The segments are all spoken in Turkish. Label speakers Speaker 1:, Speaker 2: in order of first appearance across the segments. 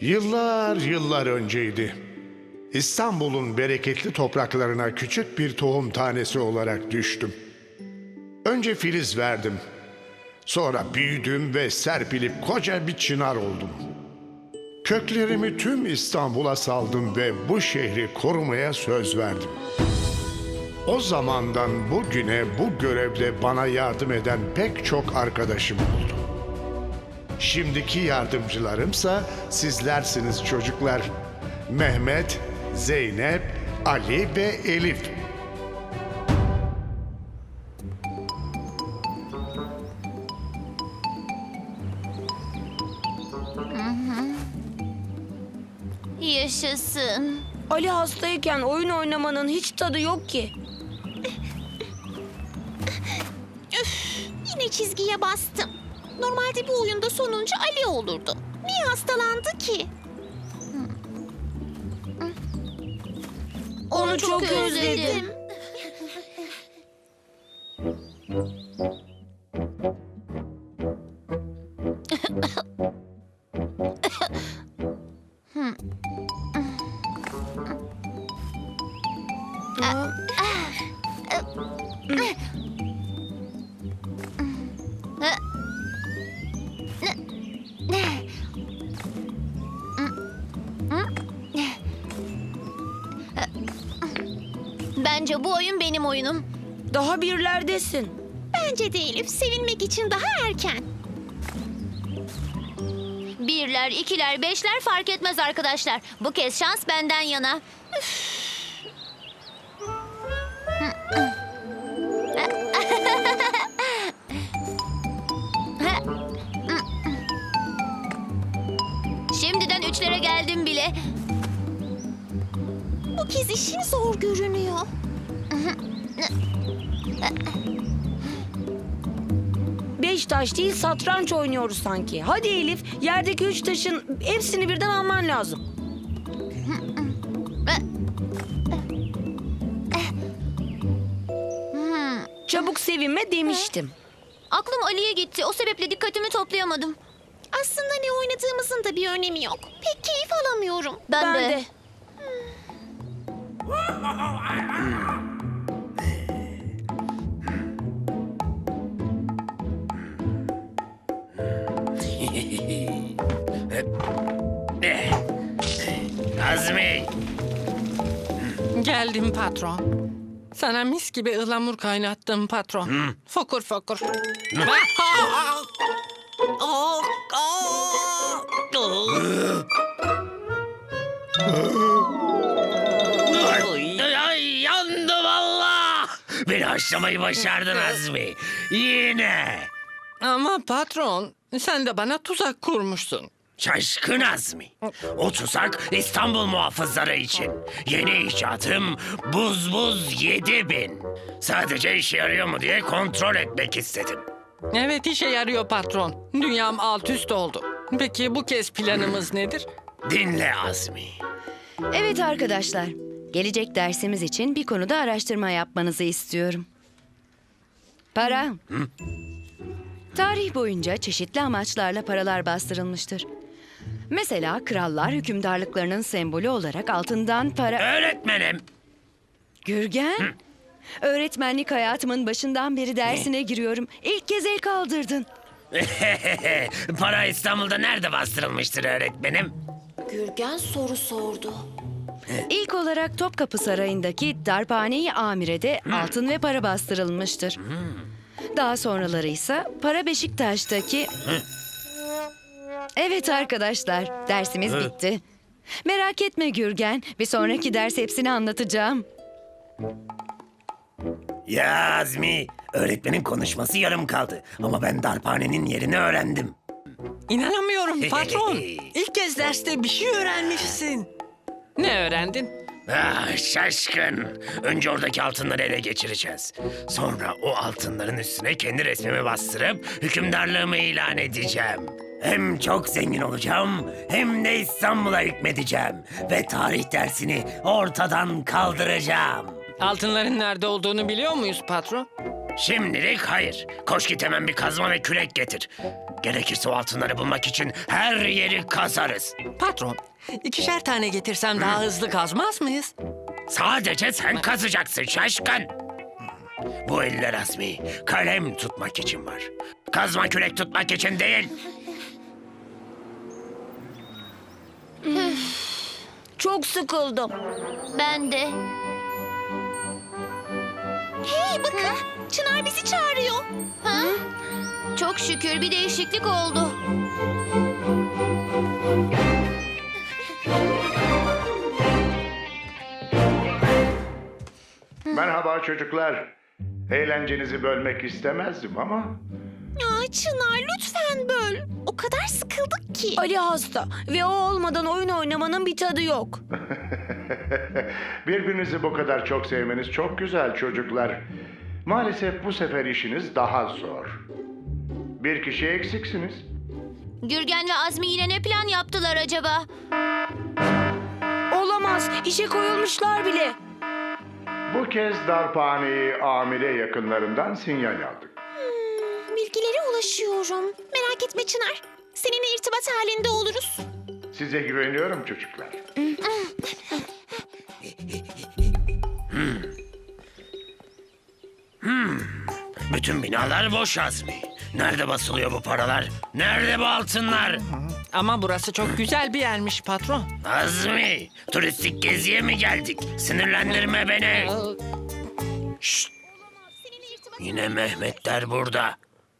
Speaker 1: Yıllar yıllar önceydi. İstanbul'un bereketli topraklarına küçük bir tohum tanesi olarak düştüm. Önce filiz verdim. Sonra büyüdüm ve serpilip koca bir çınar oldum. Köklerimi tüm İstanbul'a saldım ve bu şehri korumaya söz verdim. O zamandan bugüne bu görevde bana yardım eden pek çok arkadaşım oldu. Şimdiki yardımcılarımsa sizlersiniz çocuklar. Mehmet, Zeynep, Ali ve Elif.
Speaker 2: Yaşasın.
Speaker 3: Ali hastayken oyun oynamanın hiç tadı yok ki.
Speaker 2: Yine çizgiye bastım. Normalde bu oyunda sonuncu Ali olurdu. Niye hastalandı ki?
Speaker 3: Onu çok özledim.
Speaker 2: Bence bu oyun benim oyunum.
Speaker 3: Daha birlerdesin.
Speaker 2: Bence de Elif, sevinmek için daha erken. Birler, ikiler, beşler fark etmez arkadaşlar. Bu kez şans benden yana. Şimdiden üçlere geldim bile. Bu kez işin zor görünüyor.
Speaker 3: Beş taş değil satranç oynuyoruz sanki. Hadi Elif, yerdeki üç taşın hepsini birden alman lazım. Çabuk sevinme demiştim.
Speaker 2: Aklım Ali'ye gitti. O sebeple dikkatimi toplayamadım. Aslında ne oynadığımızın da bir önemi yok. Pek keyif alamıyorum.
Speaker 3: Ben de.
Speaker 4: Azmi,
Speaker 5: Geldim patron. Sana mis gibi ıhlamur kaynattım patron. Fokur fokur.
Speaker 4: ay yandı valla. Beni haşlamayı başardın Azmi. Yine.
Speaker 5: Ama patron, sen de bana tuzak kurmuşsun.
Speaker 4: Şaşkın Azmi. O tuzak İstanbul muhafızları için. Yeni icatım buz 7000. Sadece işe yarıyor mu diye kontrol etmek istedim.
Speaker 5: Evet, işe yarıyor patron. Dünyam alt üst oldu. Peki bu kez planımız nedir?
Speaker 4: Dinle Azmi.
Speaker 6: Evet arkadaşlar, gelecek dersimiz için bir konuda araştırma yapmanızı istiyorum. Para. Tarih boyunca çeşitli amaçlarla paralar bastırılmıştır. Mesela krallar hükümdarlıklarının sembolü olarak altından para...
Speaker 4: Öğretmenim.
Speaker 6: Gürgen, öğretmenlik hayatımın başından beri dersine giriyorum. İlk kez el kaldırdın.
Speaker 4: Para İstanbul'da nerede bastırılmıştır öğretmenim?
Speaker 2: Gürgen soru sordu.
Speaker 6: İlk olarak Topkapı Sarayı'ndaki Darphane-i Amire'de altın ve para bastırılmıştır. Daha sonraları ise Para Beşiktaş'taki... Evet arkadaşlar, dersimiz bitti. Merak etme Gürgen, bir sonraki ders hepsini anlatacağım.
Speaker 4: Ya Azmi, öğretmenin konuşması yarım kaldı. Ama ben darphanenin yerini öğrendim.
Speaker 5: İnanamıyorum patron. İlk kez derste bir şey öğrenmişsin. Ne öğrendin?
Speaker 4: Ah şaşkın. Önce oradaki altınları ele geçireceğiz. Sonra o altınların üstüne kendi resmimi bastırıp hükümdarlığımı ilan edeceğim. Hem çok zengin olacağım hem de İstanbul'a hükmedeceğim. Ve tarih dersini ortadan kaldıracağım.
Speaker 5: Altınların nerede olduğunu biliyor muyuz patron?
Speaker 4: Şimdilik hayır. Koş git hemen bir kazma ve kürek getir. Gerekirse o altınları bulmak için her yeri kazarız.
Speaker 5: Patron, 2'şer tane getirsem daha hızlı kazmaz mıyız?
Speaker 4: Sadece sen kazacaksın şaşkın. Bu eller Azmi, kalem tutmak için var. Kazma kürek tutmak için değil.
Speaker 3: Çok sıkıldım.
Speaker 2: Ben de. Hey bakın, Çınar bizi çağırıyor. Ha? Çok şükür bir değişiklik oldu.
Speaker 1: Merhaba çocuklar. Eğlencenizi bölmek istemezdim ama
Speaker 2: Aa, Çınar lütfen böl. O kadar sıkıldık ki.
Speaker 3: Ali hasta ve o olmadan oyun oynamanın bir tadı yok.
Speaker 1: birbirinizi bu kadar çok sevmeniz çok güzel çocuklar. Maalesef bu sefer işiniz daha zor. Bir kişi eksiksiniz.
Speaker 2: Gürgen ve Azmi yine ne plan yaptılar acaba?
Speaker 3: Olamaz. İşe koyulmuşlar bile.
Speaker 1: Bu kez darphaneyi amire yakınlarından sinyal aldık.
Speaker 2: Bilgilere ulaşıyorum. Merak etme Çınar. Seninle irtibat halinde oluruz.
Speaker 1: Size güveniyorum çocuklar.
Speaker 4: Bütün binalar boş Azmi. Nerede basılıyor bu paralar? Nerede bu altınlar?
Speaker 5: Ama burası çok güzel bir yermiş patron.
Speaker 4: Azmi, turistik geziye mi geldik? Sinirlendirme beni. Şşt, yine Mehmetler burada.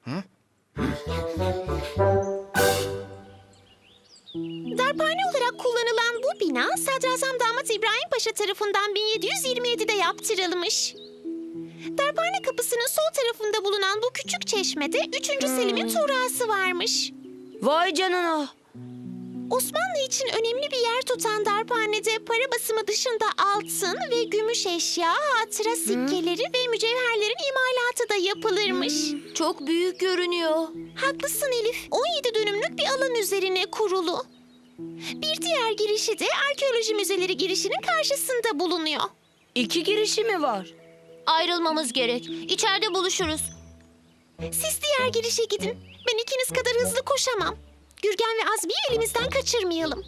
Speaker 2: Darphane olarak kullanılan bu bina Sadrazam Damat İbrahim Paşa tarafından 1727'de yaptırılmış. Darphane kapısının sol tarafında bulunan bu küçük çeşmede 3. Selim'in tuğrası varmış.
Speaker 3: Vay canına.
Speaker 2: Osmanlı için önemli bir yer tutan darphanede para basımı dışında altın ve gümüş eşya, hatıra sikkeleri ve mücevherlerin imalatı da yapılırmış. Çok büyük görünüyor. Haklısın Elif. 17 dönümlük bir alan üzerine kurulu. Bir diğer girişi de arkeoloji müzeleri girişinin karşısında bulunuyor.
Speaker 3: 2 girişi mi var?
Speaker 2: Ayrılmamız gerek. İçeride buluşuruz. Siz diğer girişe gidin. Ben ikiniz kadar hızlı koşamam. Gürgen ve Azmi'yi elimizden kaçırmayalım.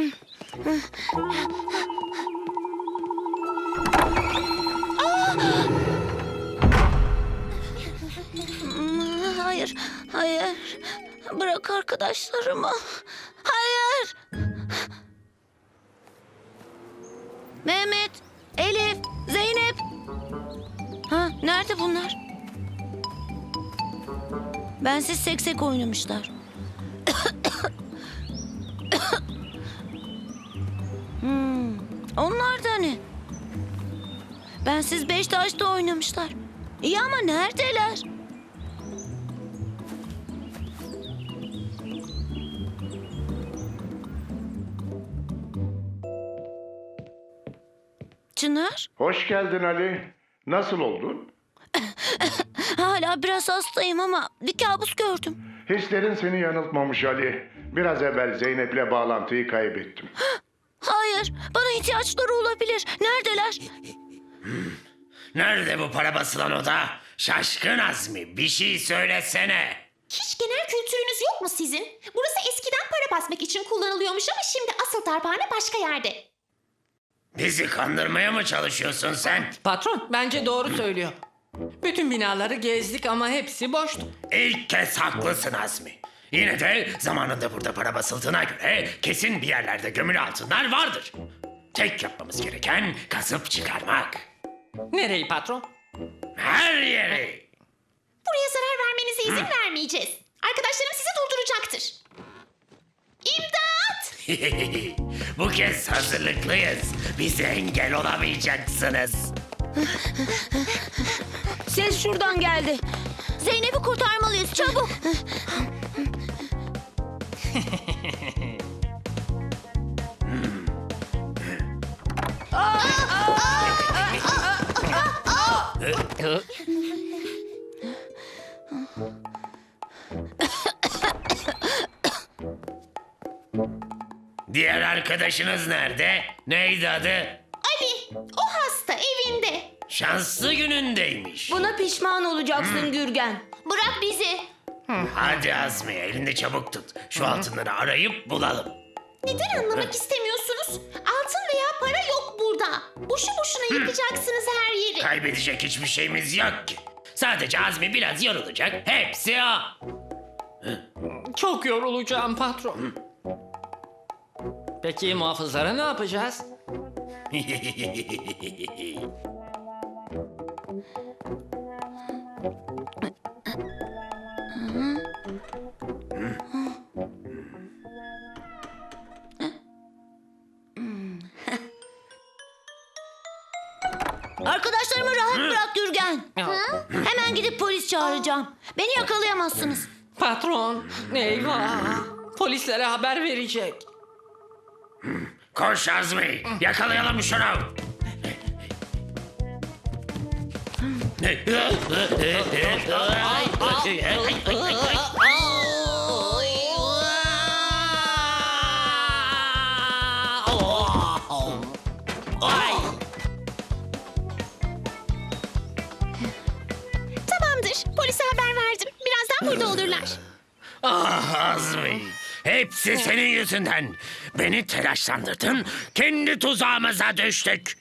Speaker 2: Hayır, hayır. Bırak arkadaşlarımı. Hayır. Mehmet, Elif, Zeynep. Ha, nerede bunlar? Bensiz seksek oynamışlar. Onlar da ne? Bensiz 5 taşta oynamışlar. İyi ama neredeler? Çınar,
Speaker 1: Hoş geldin Ali. Nasıl oldun?
Speaker 2: hala biraz hastayım ama bir kabus gördüm.
Speaker 1: Hislerin seni yanıltmamış Ali. Biraz evvel Zeynep'le bağlantıyı kaybettim.
Speaker 2: Hayır, bana ihtiyaçları olabilir. Neredeler?
Speaker 4: Nerede bu para basılan oda? Şaşkın Azmi, bir şey söylesene.
Speaker 2: Hiç genel kültürünüz yok mu sizin? Burası eskiden para basmak için kullanılıyormuş ama şimdi asıl darphane başka yerde.
Speaker 4: Bizi kandırmaya mı çalışıyorsun sen?
Speaker 5: Patron, bence doğru söylüyor. Bütün binaları gezdik ama hepsi boştu.
Speaker 4: İlk kez haklısın Azmi. Yine de zamanında burada para basıldığına göre kesin bir yerlerde gömülü altınlar vardır. Tek yapmamız gereken kazıp çıkarmak.
Speaker 5: Nereyi patron?
Speaker 4: Her yeri.
Speaker 2: Buraya zarar vermenize izin vermeyeceğiz. Arkadaşlarım sizi durduracaktır. İmdat!
Speaker 4: Bu kez hazırlıklıyız. Bize engel olamayacaksınız.
Speaker 3: Ses şuradan geldi.
Speaker 2: Zeynep'i kurtarmalıyız çabuk.
Speaker 4: Diğer arkadaşınız nerede? Neydi adı?
Speaker 2: Ali, o hasta evinde.
Speaker 4: Şanslı günündeymiş.
Speaker 3: Buna pişman olacaksın Gürgen.
Speaker 2: Bırak bizi.
Speaker 4: Hadi Azmi, elinde çabuk tut. Şu altınları arayıp bulalım.
Speaker 2: Neden anlamak istemiyorsunuz? Altın veya para yok burada. Boşu boşuna yıkacaksınız her yeri.
Speaker 4: Kaybedecek hiçbir şeyimiz yok ki. Sadece Azmi biraz yorulacak. Hepsi o.
Speaker 5: Çok yorulacağım patron. Peki muhafızlara ne yapacağız?
Speaker 2: Arkadaşlarımı rahat bırak Gürgen. Hemen gidip polis çağıracağım. Beni yakalayamazsınız.
Speaker 5: Patron, eyvah. Polislere haber verecek.
Speaker 4: Koş Azmi, yakalayalım şunu.
Speaker 2: Tamamdır. Polise haber verdim. Birazdan burada olurlar.
Speaker 4: Ah Azmi, hepsi senin yüzünden. Beni telaşlandırdın, kendi tuzağımıza düştük.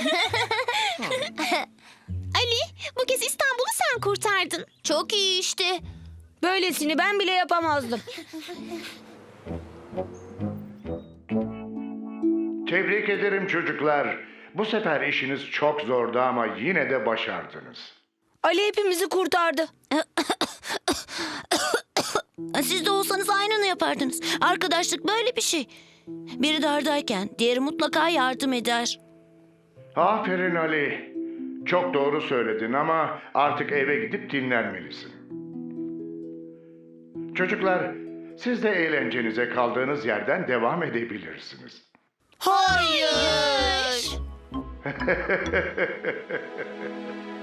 Speaker 2: Ali, bu kez İstanbul'u sen kurtardın. Çok iyi işte.
Speaker 3: Böylesini ben bile yapamazdım.
Speaker 1: Tebrik ederim çocuklar. Bu sefer işiniz çok zordu ama yine de başardınız.
Speaker 3: Ali hepimizi kurtardı.
Speaker 2: Siz de olsanız aynını yapardınız. Arkadaşlık böyle bir şey. Biri dardayken diğeri mutlaka yardım eder.
Speaker 1: Aferin Ali. Çok doğru söyledin ama artık eve gidip dinlenmelisin. Çocuklar, siz de eğlencenize kaldığınız yerden devam edebilirsiniz.
Speaker 2: Hayır.